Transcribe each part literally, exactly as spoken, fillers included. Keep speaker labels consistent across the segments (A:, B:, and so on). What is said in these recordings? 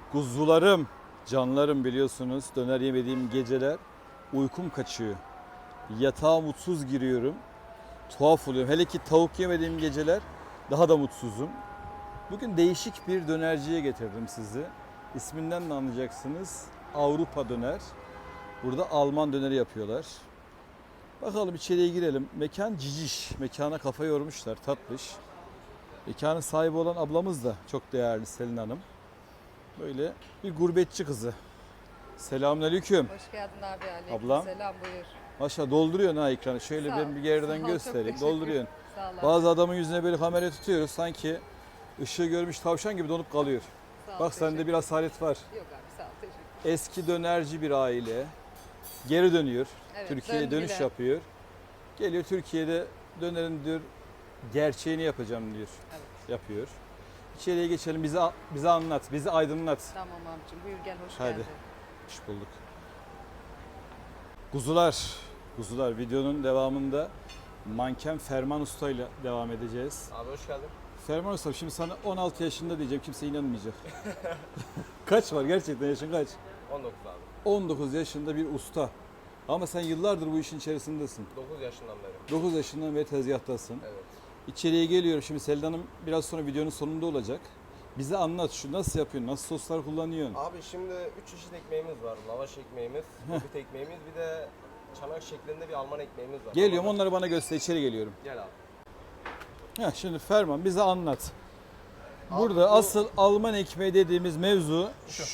A: Kuzularım, canlarım biliyorsunuz döner yemediğim geceler uykum kaçıyor. Yatağa mutsuz giriyorum. Tuhaf oluyorum. Hele ki tavuk yemediğim geceler daha da mutsuzum. Bugün değişik bir dönerciye getirdim sizi. İsminden de anlayacaksınız. Avrupa döner. Burada Alman döneri yapıyorlar. Bakalım içeriye girelim. Mekan ciciş. Mekana kafa yormuşlar. Tatlış. Mekanın sahibi olan ablamız da çok değerli Selin Hanım. Böyle bir gurbetçi kızı. Selamünaleyküm.
B: Hoş geldin abi. Aleyküm
A: Ablam.
B: selam, buyur.
A: Maşallah dolduruyorsun ha ekranı. Şöyle
B: Sağ
A: ben
B: ol.
A: bir geriden
B: Sağ ol, çok
A: göstereyim.
B: teşekkür.
A: Dolduruyorsun.
B: Sağ ol abi.
A: Bazı adamın yüzüne böyle kamera tutuyoruz. Sanki ışığı görmüş tavşan gibi donup kalıyor.
B: Sağ ol,
A: Bak sende
B: teşekkür.
A: bir asalet var.
B: Yok abi, sağ ol, teşekkür.
A: Eski dönerci bir aile. Geri dönüyor.
B: Evet,
A: Türkiye'ye dönüş
B: döndüler.
A: yapıyor. Geliyor Türkiye'de dönerin diyor gerçeğini yapacağım diyor.
B: Evet.
A: Yapıyor. İçeriye geçelim. Bize bize anlat. Bizi aydınlat.
B: Tamam abicim, buyur gel, hoş
A: Hadi.
B: geldin.
A: Hoş bulduk. Kuzular. Kuzular videonun devamında manken Ferman Usta ile devam edeceğiz.
C: Abi hoş geldin.
A: Ferman Usta şimdi sana on altı yaşında diyeceğim, kimse inanmayacak. Kaç var gerçekten, yaşın kaç?
C: on dokuz abi.
A: on dokuz yaşında bir usta. Ama sen yıllardır bu işin içerisindesin.
C: dokuz yaşından beri.
A: dokuz yaşından beri tezgahtasın.
C: Evet.
A: İçeriye geliyorum şimdi, Selin Hanım biraz sonra videonun sonunda olacak. Bize anlat, şu nasıl yapıyorsun, nasıl soslar kullanıyorsun?
C: Abi şimdi üç çeşit ekmeğimiz var. Lavaş ekmeğimiz, bit ekmeğimiz, bir de çanak şeklinde bir Alman ekmeğimiz var.
A: Geliyorum,
C: Alman-
A: onları bana göster, içeri geliyorum.
C: Gel abi.
A: Heh, şimdi Ferman bize anlat.
C: Abi
A: Burada
C: bu-
A: asıl Alman ekmeği dediğimiz mevzu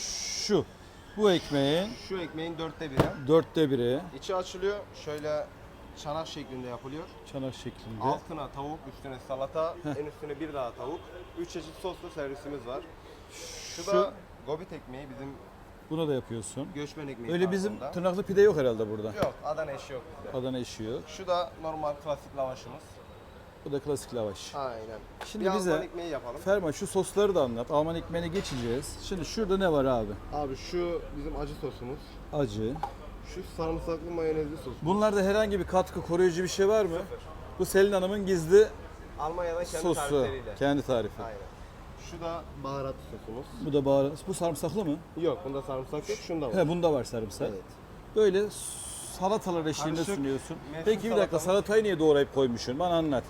A: şu. Bu ekmeğin
C: Şu ekmeğin dörtte biri.
A: dörtte biri
C: İçi açılıyor. Şöyle çanak şeklinde yapılıyor.
A: çanak şeklinde.
C: Altına tavuk, üstüne salata, en üstüne bir daha tavuk. Üç çeşit soslu servisimiz var. Şu,
A: Şu-
C: da gobit ekmeği, bizim
A: Bunu da yapıyorsun.
C: göçmen ekmeği
A: Öyle bizim
C: tarzında.
A: tırnaklı pide yok herhalde burada.
C: Yok, Adana eşi yok bizde.
A: Adana eşi yok.
C: Şu da normal klasik lavaşımız.
A: Bu da klasik lavaş.
C: Aynen.
A: Şimdi
C: bir
A: bize
C: Alman ekmeği yapalım.
A: Ferman şu sosları da anlat. Alman ekmeğine geçeceğiz. Şimdi şurada ne var abi?
C: Abi şu bizim acı sosumuz.
A: Acı.
C: Şu sarımsaklı mayonezli sos.
A: Bunlarda herhangi bir katkı, koruyucu bir şey var mı? Bu Selin Hanım'ın gizli
C: Almanya'da kendi
A: sosu.
C: tarifleriyle.
A: Kendi tarifi.
C: Aynen. Şu da baharat sosumuz.
A: Bu da baharat. Bu sarımsaklı mı?
C: Yok, bunda sarımsak yok, şunda var.
A: He, bunda var sarımsak.
C: Evet.
A: Böyle salatalar eşliğinde
C: Karışık
A: sunuyorsun.
C: mevsim
A: Peki bir dakika,
C: salatamız.
A: salatayı niye doğrayıp koymuşsun? Bana anlat.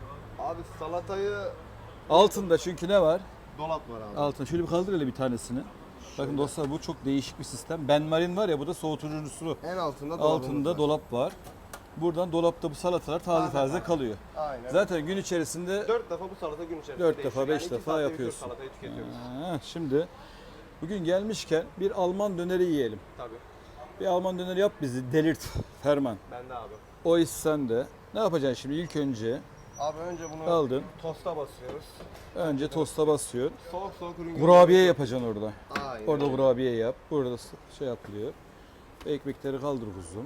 C: Abi salatayı
A: Altında çünkü ne var?
C: dolap var abi.
A: Altında. Şöyle bir kaldır hele bir tanesini. Bakın dostlar, bu çok değişik bir sistem. Benmarin var ya, bu da soğutucusu.
C: En altında dolabımız
A: Altında
C: var.
A: dolap var. Buradan dolapta bu salatalar taze
C: Taze
A: taze
C: taze.
A: kalıyor.
C: Aynen.
A: Zaten gün içerisinde
C: dört defa bu salata gün içerisinde
A: Dört
C: değişiyor.
A: defa, beş
C: Yani iki
A: defa
C: saatte bir
A: yapıyorsun.
C: tür salatayı tüketiyoruz.
A: Ha, şimdi bugün gelmişken bir Alman döneri yiyelim.
C: Tabii.
A: Bir Alman döneri yap bizi, delirt Ferman.
C: Ben de abi.
A: O iş sende. Ne yapacaksın şimdi? İlk önce
C: Abi önce bunu
A: aldın.
C: tosta basıyoruz.
A: Önce tosta basıyorsun.
C: Soğuk soğuk ürün
A: Kurabiye yapacaksın orada.
C: Aynen.
A: Orada
C: öyle.
A: kurabiye yap. Burada şey yapılıyor. Ekmekleri kaldır kuzum.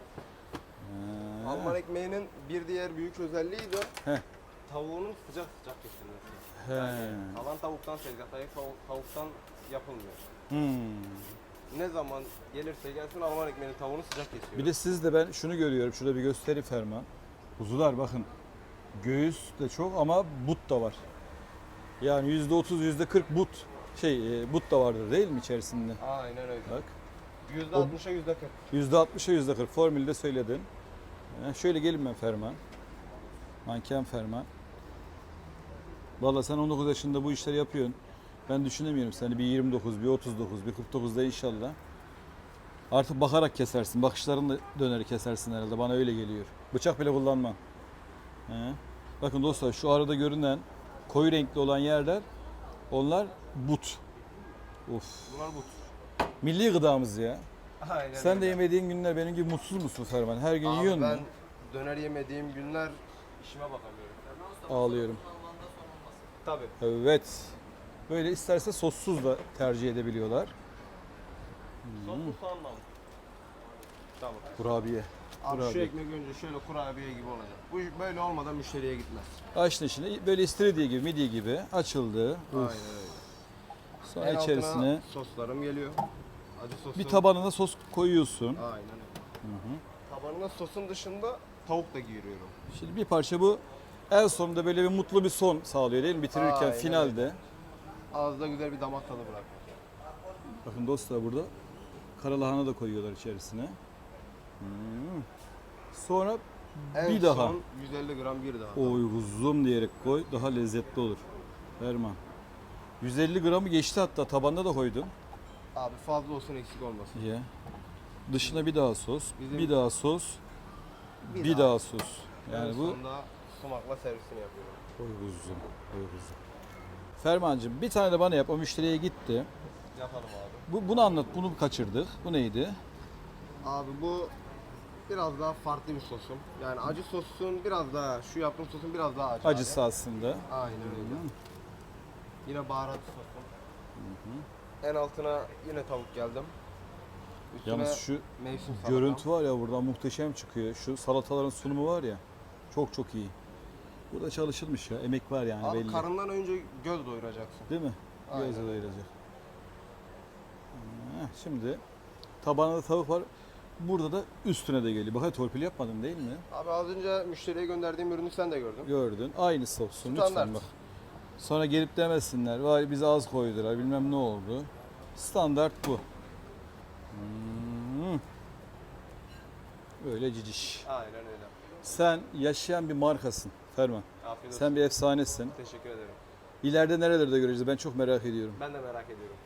A: Ha.
C: Alman ekmeğinin bir diğer büyük özelliği de
A: Heh.
C: tavuğunun sıcak sıcak kesilmesi.
A: He.
C: Yani kalan tavuktan tezgahtaki tav- tavuktan yapılmıyor.
A: Hmm.
C: Ne zaman gelirse gelsin Alman ekmeğinin tavuğunu sıcak kesiyor.
A: Bir de sizde ben şunu görüyorum. Şurada bir gösteri Ferman. Kuzular bakın. Göğüs de çok ama but da var. Yani yüzde otuz, yüzde kırk but. Şey, e, but da vardır değil mi içerisinde?
C: Aynen öyle.
A: Bak.
C: yüzde altmışa yüzde kırk.
A: yüzde altmışa yüzde kırk formülde söyledin. Ha, şöyle gelin ben Ferman. Manken Ferman. Valla sen on dokuz yaşında bu işleri yapıyorsun. Ben düşünemiyorum seni bir yirmi dokuz, bir otuz dokuz, bir kırk dokuzda inşallah. Artık bakarak kesersin. Bakışlarınla döneri kesersin herhalde. Bana öyle geliyor. Bıçak bile kullanma. He. Bakın dostlar, şu arada görünen koyu renkli olan yerler, onlar but. Of.
C: Bunlar but.
A: Milli gıdamız ya.
C: Aynen
A: Sen de
C: öyle.
A: yemediğin günler benim gibi mutsuz musun Ferman? Her gün
C: Abi
A: yiyorsun
C: ben
A: mu?
C: döner yemediğim günler işime bakamıyorum.
A: Ağlıyorum.
C: Tabii.
A: Evet. Böyle isterse sossuz da tercih edebiliyorlar.
C: Soslu soğanla mı? Tamam.
A: Kurabiye.
C: Abi şu
A: Kurabiye.
C: ekmek önce şöyle kurabiye gibi olacak. Bu böyle olmadan müşteriye gitmez.
A: Açtın şimdi böyle istiridye gibi, midye gibi açıldı. Uf.
C: Aynen öyle.
A: Sonra
C: En
A: içerisine
C: altına soslarım geliyor. Acı sosum.
A: bir tabanına sos koyuyorsun.
C: Aynen öyle. Tabanına sosun dışında tavuk da giriyorum.
A: Şimdi bir parça bu en sonunda böyle bir mutlu bir son sağlıyor değil mi? Bitirirken
C: Aynen
A: finalde.
C: Ağızda güzel bir damak tadı bırak.
A: Bakın dostlar burada karalahana da koyuyorlar içerisine. Hmm. Sonra
C: En
A: bir daha.
C: son yüz elli gram bir daha.
A: Oy kuzum diyerek koy. Daha lezzetli olur. Ferman. yüz elli gramı geçti hatta tabanda da koydum.
C: Abi fazla olsun eksik olmasın.
A: Ye. Dışına bir daha sos,
C: Bizim-
A: bir daha sos,
C: Bir
A: bir,
C: daha.
A: daha. sos. Yani
C: en
A: bu
C: sonunda sumakla servisini yapıyorum.
A: oy kuzum, oy kuzum. Fermancığım bir tane de bana yap. O müşteriye gitti.
C: Yapalım abi.
A: Bu, bunu anlat. Bunu kaçırdık. Bu neydi?
C: Abi bu biraz daha farklı bir sosum. Yani acı sosun biraz daha, şu yaptığım sosun biraz daha acı.
A: Acısı
C: abi.
A: aslında.
C: Aynen öyle. Yine baharat sosum. En altına yine tavuk geldim. Üstüne
A: Yalnız şu
C: mevsim salatam.
A: görüntü var ya buradan muhteşem çıkıyor. Şu salataların sunumu var ya. Çok çok iyi. Burada çalışılmış ya. Emek var yani
C: Abi
A: belli.
C: karından önce göz doyuracaksın.
A: Değil mi?
C: Aynen.
A: Gözle doyuracak. Heh, Şimdi tabağında da tavuk var. Burada da üstüne de geliyor. Bak hadi torpil yapmadın değil mi?
C: Abi az önce müşteriye gönderdiğim ürünü sen de gördün.
A: Gördün. Aynısı olsun
C: Standart.
A: lütfen bak. Sonra gelip demesinler. Vay bize az koydular bilmem ne oldu. Standart bu. Hmm. Böyle ciciş.
C: Aynen öyle.
A: Sen yaşayan bir markasın Ferman.
C: Afiyet olsun.
A: Sen bir efsanesin.
C: Teşekkür ederim.
A: İleride nerelerde göreceğiz ben çok merak ediyorum.
C: Ben de merak ediyorum.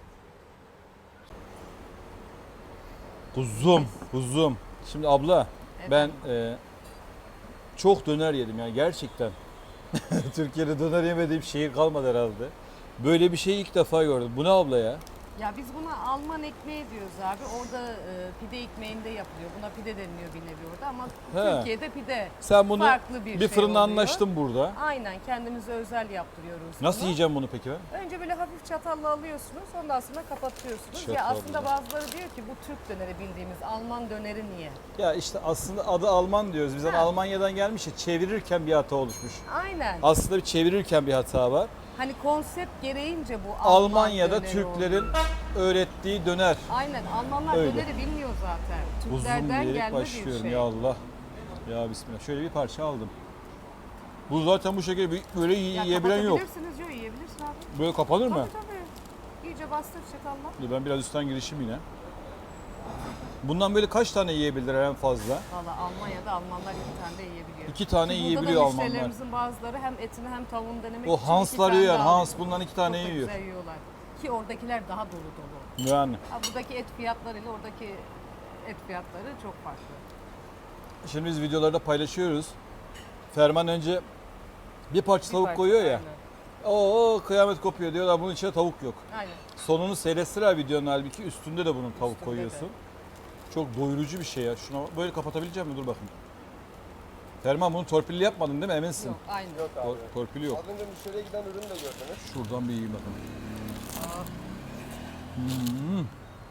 A: Kuzum, kuzum. Şimdi abla ben e, çok döner yedim yani gerçekten. Türkiye'de döner yemediğim şehir kalmadı herhalde. Böyle bir şeyi ilk defa gördüm. Bu ne abla ya?
B: Ya biz buna Alman ekmeği diyoruz abi. Orada e, pide ekmeğinde yapılıyor. Buna pide deniliyor bir nevi orada ama
A: He.
B: Türkiye'de pide
A: Sen bunu
B: farklı bir,
A: bir
B: şey
A: fırında
B: oluyor.
A: anlaştın burada.
B: Aynen kendimize özel yaptırıyoruz.
A: Nasıl
B: bunu.
A: yiyeceğim bunu peki ben?
B: Önce böyle hafif çatalla alıyorsunuz, ondan sonra kapatıyorsunuz.
A: Çatalla.
B: Ya aslında bazıları diyor ki bu Türk döneri bildiğimiz Alman döneri niye?
A: Ya işte aslında adı Alman diyoruz. Biz hani
B: Ha.
A: Almanya'dan gelmiş ya çevirirken bir hata oluşmuş.
B: Aynen.
A: Aslında bir çevirirken bir hata var.
B: Hani konsept gereğince bu Alman
A: Almanya'da
B: döneri
A: Türklerin
B: oluyor.
A: öğrettiği döner.
B: Aynen Almanlar
A: Öyle.
B: döneri bilmiyor zaten.
A: Uzun
B: Türklerden
A: diyerek
B: gelme bir
A: başlıyorum
B: şey.
A: ya Allah. Ya bismillah. Şöyle bir parça aldım. Bu zaten bu şekilde bir- böyle yi-
B: Ya
A: yiyebilen yok.
B: kapatabilirsiniz yok yiyebilirsin abi.
A: Böyle kapanır mı?
B: Tabii tabii. İyice bastır çatalla.
A: Dur ben biraz üstten girişim yine. Bundan böyle kaç tane yiyebilirler en fazla?
B: Valla Almanya'da Almanlar iki tane de yiyebiliyor.
A: İki tane
B: Ki
A: yiyebiliyor
B: Burada da
A: Almanlar.
B: müşterilerimizin bazıları hem etini hem tavuğunu denemek
A: O
B: için iki
A: Hanslar
B: tane
A: yiyor yani.
B: de alıyor.
A: Hans bundan iki tane
B: Çok da
A: yiyor.
B: güzel yiyorlar. Ki oradakiler daha dolu dolu.
A: Yani.
B: Ha, buradaki et fiyatlarıyla oradaki et fiyatları çok farklı.
A: Şimdi biz videolarda paylaşıyoruz. Ferman önce bir parça
B: Bir
A: tavuk
B: parça,
A: koyuyor ya.
B: aynen.
A: Oo kıyamet kopuyor diyorlar. Bunun içinde tavuk yok.
B: Aynen.
A: Sonunu seyretseler videonun halbuki üstünde de bunun tavuk
B: Üstünde
A: koyuyorsun.
B: de.
A: Çok doyurucu bir şey ya. Şuna bak- böyle kapatabilecek misin? Dur bakayım. Ferman bunu torpilli yapmadın değil mi? Eminsin.
B: Yok aynı.
C: Yok abi.
A: Tor- torpili yok.
C: Az önce müşteriye giden ürünü de gördünüz.
A: Şuradan bir yiyeyim bakalım.
B: Aa,
A: Hmm.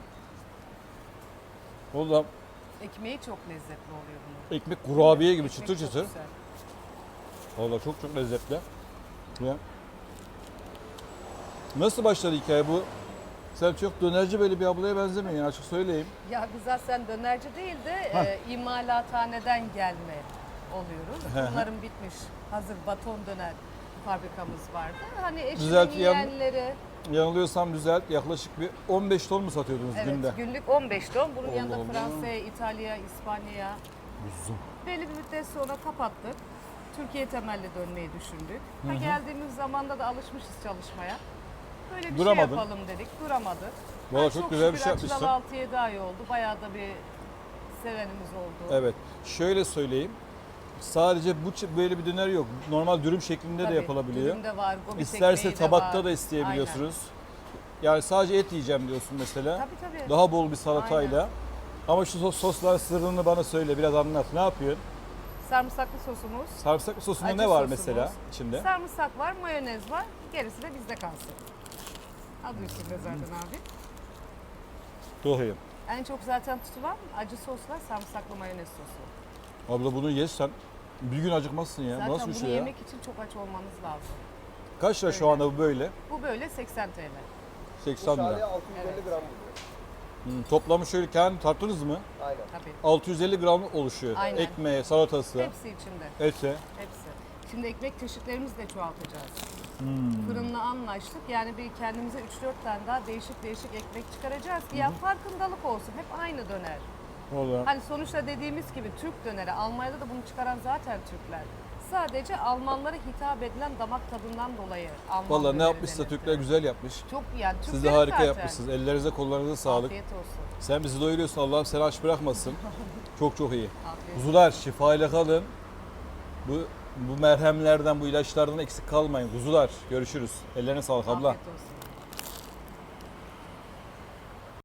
A: Oğlum
B: ekmeği çok lezzetli oluyor bunun.
A: ekmek kurabiye gibi
B: Ekmek
A: çıtır
B: çok
A: çıtır.
B: güzel.
A: Valla çok çok lezzetli. Ya. Nasıl başladı hikaye bu? Sen çok dönerci böyle bir ablaya benzemiyorsun yani açık söyleyeyim.
B: Ya biz aslında dönerci değil de
A: Heh.
B: e, imalathaneden gelme oluyoruz.
A: Hı hı.
B: Bunların bitmiş hazır baton döner fabrikamız vardı. Hani eşimin
A: Düzelt, yan-
B: yiyenleri,
A: Yanılıyorsam düzelt yaklaşık bir on beş ton mu satıyordunuz
B: evet
A: günde?
B: günlük on beş ton. Bunun
A: Allah
B: yanında
A: Allah.
B: Fransa'ya, İtalya'ya, İspanya'ya
A: Uzun.
B: belli bir müddet sonra kapattık. Türkiye temelli dönmeyi düşündük. Ha,
A: Hı hı.
B: geldiğimiz zamanda da alışmışız çalışmaya. Böyle bir
A: Duramadın.
B: şey yapalım dedik. Duramadık.
A: Valla
B: Ha,
A: çok güzel bir şey
B: açılalı
A: yapmışsın.
B: altı yedi ay oldu. Bayağı da bir sevenimiz oldu.
A: Evet. Şöyle söyleyeyim. Sadece bu ç- böyle bir döner yok. Normal dürüm şeklinde
B: Tabii,
A: de yapılabiliyor.
B: dürüm de var, gobit
A: İsterse
B: ekmeği de
A: tabakta
B: var.
A: da isteyebiliyorsunuz. Yani sadece et yiyeceğim diyorsun mesela.
B: Aynen. Tabii tabii.
A: Daha bol bir salatayla. Ama şu sos, sosların sırrını bana söyle, biraz anlat. Ne yapıyorsun?
B: Sarımsaklı sosumuz.
A: Sarımsaklı sosunda
B: Acı
A: ne var
B: sosumuz.
A: mesela içinde?
B: Sarımsak var, mayonez var. Gerisi de bizde kalsın. Adı üstünde zaten abi.
A: Doğruyum.
B: En çok zaten tutulan acı sosla sarımsaklı mayonez sosu.
A: Abla bunu yesen bir gün acıkmazsın ya.
B: Zaten
A: Nasıl bir
B: bunu
A: şey ya?
B: yemek için çok aç olmanız lazım.
A: Kaç lira şu
B: Öyle.
A: anda bu böyle?
B: Bu böyle seksen TL.
C: Bu
A: seksen
C: şahane
A: lira.
C: altı yüz elli
B: Evet.
C: gram buluyor.
A: Hmm, toplamı şöyle kendi tarttınız mı?
C: Aynen.
B: Tabii.
A: altı yüz elli gram oluşuyor.
B: Aynen.
A: Ekmeği, salatası,
B: Hepsi içinde.
A: eti.
B: Hepsi. Şimdi ekmek çeşitlerimizi de çoğaltacağız.
A: Hmm.
B: Fırınla anlaştık. Yani bir kendimize üç dört tane daha değişik değişik ekmek çıkaracağız ki ya farkındalık olsun. Hep aynı döner.
A: Olur.
B: Hani sonuçta dediğimiz gibi Türk döneri. Almanya'da da bunu çıkaran zaten Türkler. Sadece Almanlara hitap edilen damak tadından dolayı Alman
A: Vallahi ne
B: döneri
A: yapmışsa
B: denir.
A: Türkler güzel yapmış.
B: Çok yani
A: Siz de
B: Türklerin
A: harika
B: zaten.
A: yapmışsınız. Ellerinize kollarınıza sağlık.
B: Afiyet olsun.
A: Sen bizi doyuruyorsun. Allah'ım seni aç bırakmasın. Çok çok iyi.
B: Afiyet
A: Kuzular şifayla kalın. Bu bu merhemlerden, bu ilaçlardan eksik kalmayın. Kuzular görüşürüz. Ellerine sağlık abla.
B: Afiyet olsun.